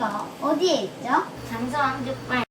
여기가 어디에 있죠? 장서왕족발.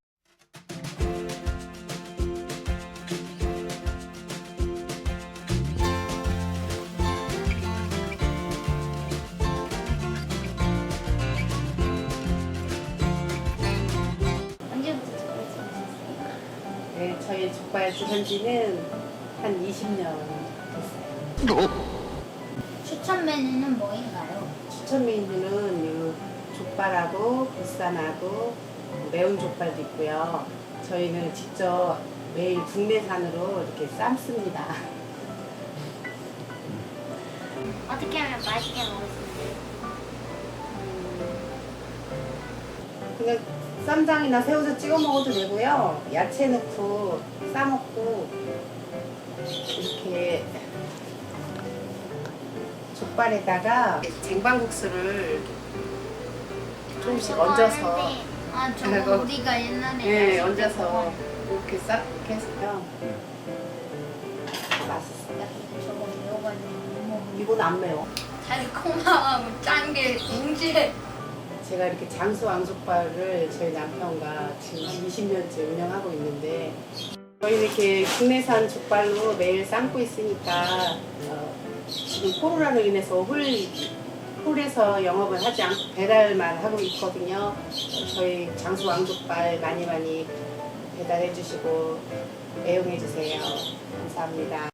언제부터 족발 지으셨어요? 네, 저희 족발 지은 지는 한 20년 됐어요. 추천 메뉴는 뭐인가요? 추천 메뉴는 이 족발하고 보쌈하고 매운 족발도 있고요. 저희는 직접 매일 국내산으로 이렇게 삶습니다. 어떻게 하면 맛있게 먹을 수 있어요? 그냥 쌈장이나 새우젓 찍어 먹어도 되고요. 야채 넣고 싸먹고 이렇게 족발에다가 쟁반국수를 조금씩 얹어서 저거 그거- 우리가 옛날에 네, 마실 때 얹어서 먹었는데. 이렇게 싹 이렇게 해서요. 맛있어요. 나 근데 저거 매워가지고 못 먹어. 이건 안 매워. 달콤하고 짠게 동시에. 제가 이렇게 장수 왕족발을 저희 남편과 지금 20년째 운영하고 있는데 저희는 이렇게 국내산 족발로 매일 삶고 있으니까 지금 코로나로 인해서 홀에서 영업을 하지 않고 배달만 하고 있거든요. 저희 장수 왕족발 많이 많이 배달해 주시고 애용해 주세요. 감사합니다.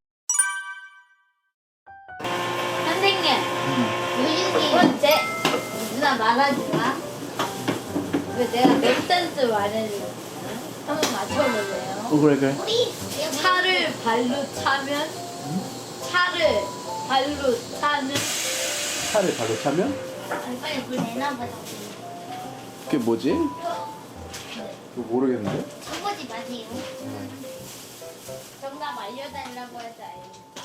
선생님, 요즘 두 번째 누나 말하지 마. 왜 내가 몇 센스 말해주고 한번 맞춰볼래요? 그래 그래. 차를 발로 차면 차를 발로 차면 차를 발로 차면 빨리 불 내놔보자. 그게 뭐지? 그거 모르겠는데. 쳐보지 마세요. 정답 알려달라고 하자.